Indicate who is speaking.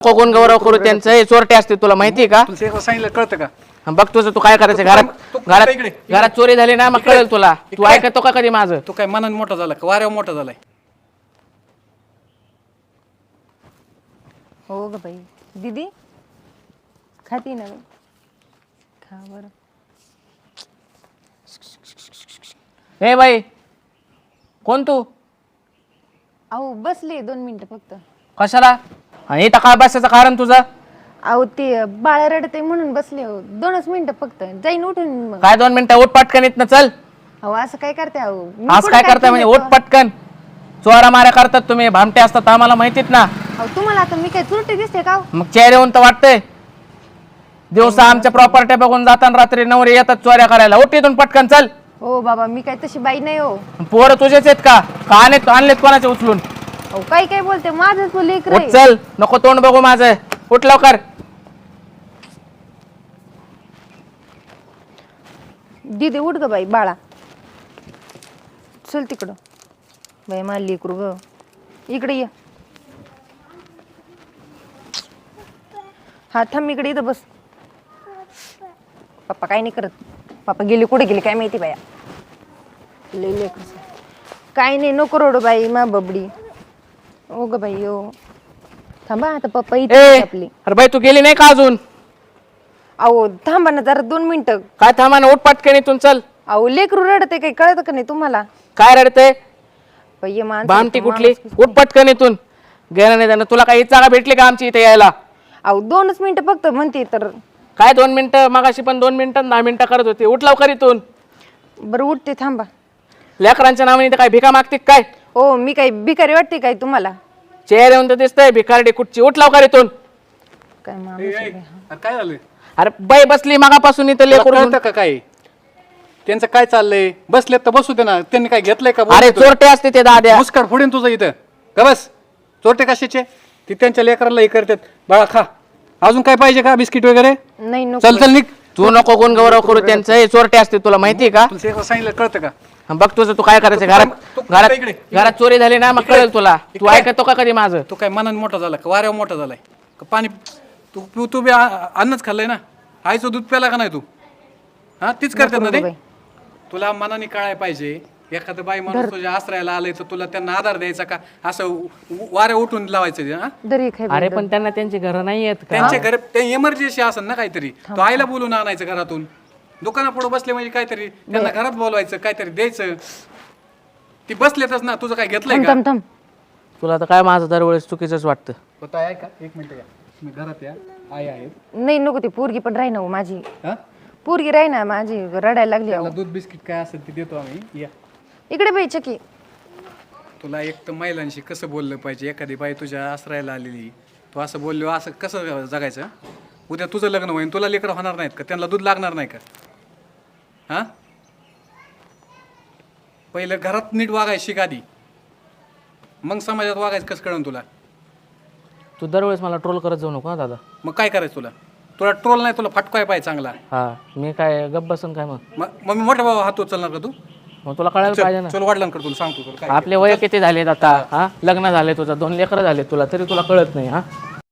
Speaker 1: कोण गौरव करू त्यांचं हे चोरटे असते तुला माहितीये का?
Speaker 2: तुला सांगितलं कळतं का?
Speaker 1: बघ तुझं तू काय करायचं घरात चोरी झाली ना मग कळेल तुला. तू ऐकतो का कधी माझं?
Speaker 2: तू काय मनाने मोठा झाला का वाऱ्यावर मोठा झालाय?
Speaker 3: हो ग बाई. दीदी खाती ना खा बरं.
Speaker 1: हे बाई कोण तू?
Speaker 3: अहो बसले 2 मिनिटं फक्त.
Speaker 1: कशाला? आणि इथं काय बसायचं कारण तुझं?
Speaker 3: अहो ते बाळ रडते म्हणून बसले हो. 2च मिनिटं फक्त जाईन उठून मग.
Speaker 1: काय 2 मिनिटं? उठ पटकन इथनं चल.
Speaker 3: अहो असं काय करते अहो?
Speaker 1: आज काय करताय म्हणजे उठ पटकन. चोरा माऱ्या करतात तुम्ही, भामटे असतात आम्हाला माहितीत ना.
Speaker 3: अहो तुम्हाला आता मी काय चुरटी दिसते का?
Speaker 1: मग चेहरे येऊन तर वाटतंय. दिवसा आमच्या प्रॉपर्टी बघून जाताना रात्री नवरे येतात चोऱ्या करायला. उठ इथून पटकन चल.
Speaker 3: हो बाबा मी काय तशी बाई नाही हो.
Speaker 1: पोरं तुझेच आहेत का? आणलेत कोणाचे उचलून?
Speaker 3: अहो काय काय बोलते माझंच लेकर
Speaker 1: उठ चल. नको तोंड बघू माझं. उठ लवकर.
Speaker 3: दीदी उठ ग बाई बाळा. चल तिकडं. बाई मला लेकरू ग. इकडे ये. हा थांब इकडे इथं बस. पप्पा काय नाही करत. पप्पा गेले कुठे गेले काय माहिती बाया. लई लेकर काय नाही नको रडू बाई मा बबडी. ओ ग बाई ओ. थांबा आता पप्पा इथे आपली.
Speaker 1: अरे बाई तू गेली नाही का अजून?
Speaker 3: अहो थांबा ना जरा 2 मिनिटं.
Speaker 1: काय थांबा ना, उठ पटकन इथून चल.
Speaker 3: अहो लेकरू रडते काही कळत का नाही तुम्हाला?
Speaker 1: काय रडते?
Speaker 3: बाई
Speaker 1: भामटी कुठली? उठ पटकन इथून. गेला नाही जाणं. तुला काही जागा भेटली का आमची इथे यायला?
Speaker 3: अहो 2च मिनिटं फक्त म्हणते तर.
Speaker 1: काय 2 मिनिटं? मगाशी पण 2 मिनिटं 10 मिनिटं करत होती. उठ लवकर इथून.
Speaker 3: बरं उठते थांबा.
Speaker 1: लेकरांच्या नावाने इथं काय भिका मागते काय?
Speaker 3: हो मी काही भिकारी वाटते काय तुम्हाला?
Speaker 1: चेहरे येऊन तर दिसतंय भिकारडी कुठची. उठ लवकर इथून.
Speaker 3: काय माणूस
Speaker 2: ए,
Speaker 3: आहे
Speaker 2: ए,
Speaker 3: बाई.
Speaker 2: अरे काय झालं?
Speaker 1: अरे बाई बसली मगापासून इथं
Speaker 2: तुला
Speaker 1: लेकरू.
Speaker 2: कळतं का काय त्यांचं काय चाललंय? बसलेत तर बसू दे ना. त्यांनी काय घेतलंय का?
Speaker 1: अरे चोरटे असते ते दाद्या.
Speaker 2: मुस्काट फोडीन तुझं इथं का? बस चोरटे कशाचे? ती त्यांच्या लेकराला हे करतात. बाळा खा. अजून काय पाहिजे का? बिस्किट वगैरे?
Speaker 3: नाही नको
Speaker 2: चल चल निघ.
Speaker 1: तू नको कोण गौरव करू त्यांचं हे चोरटे असते तुला माहितीये का?
Speaker 2: तुला सांगितलं कळतं का?
Speaker 1: बघ तुझं तू काय करायचं घरात
Speaker 2: इकडे.
Speaker 1: घरात चोरी झाली ना मग कळेल तुला. तू ऐकतो का कधी माझं?
Speaker 2: तू काय मनाने मोठा झाला का वाऱ्यावर मोठा झालाय का? पाणी तू तू बी अन्नच खाल्लंय ना. आईचं दूध प्याला का नाही तू? हा तीच करतात ना ते.
Speaker 3: बाई.
Speaker 2: तुला मनाने कळाय पाहिजे. एखादं बाई माणूस तुझ्या आश्रयाला आलंय तर तुला त्यांना आधार द्यायचा का? असं वाऱ्या उठून लावायचं? हा
Speaker 3: दरी खाय
Speaker 1: अरे पण त्यांना त्यांची घरं नाही आहेत का?
Speaker 2: त्यांच्या घर ते इमर्जन्सी असेल ना काहीतरी. तो आईला बोलून आणायचं घरातून. दुकानापुढे बसले म्हणजे काहीतरी त्यांना घरात बोलवायचं, काहीतरी द्यायचं. ती बसलेतच ना. तुझं काय घेतलंय का?
Speaker 3: थांब थांब.
Speaker 1: तुला तर काय माझं दरवेळेस चुकीचंच वाटतं.
Speaker 2: होता आहे का? 1 मिनिट या. मी घरात या. आई आहेत.
Speaker 3: नाही नको ती पोरगी पण राही ना हो माझी.
Speaker 2: हा
Speaker 3: पोरगी राही ना माझी रडायला लागली अहो.
Speaker 2: त्याला दूध बिस्किट काय असेल ते देतो आम्ही. या
Speaker 3: इकडे बाई चकी.
Speaker 2: तुला एक तर महिलांशी कसं बोललं पाहिजे? एखादी बाई तुझ्या आश्रयाला आलेली, तू असं बोललो असं कसं जगायचं? उद्या तुझं लग्न होईल, तुला लेकरं होणार नाहीत का? त्यांना दूध लागणार नाही का? हां पहिलं घरात नीट वागायचं शिक आधी, मग समाजात वागायचं कसं कळण तुला?
Speaker 1: तू दरवेळेस मला ट्रोल करत जाऊ नको हा दादा.
Speaker 2: मग काय करायचं तुला? तुला ट्रोल नाही, तुला फटकाय पाहिजे चांगला.
Speaker 1: हा मी काय गप्प बसून काय मग?
Speaker 2: मग मी मोठा भाऊ हात उचलणार का तू?
Speaker 1: मग तुला कळायला पाहिजे ना.
Speaker 2: चल वडिलांकडे तुला सांगतो तुला काय.
Speaker 1: आपले वय किती झालेत आता? हा लग्न झाले तुझं, 2 लेकरं झाले तुला, तरी तुला कळत नाही. हा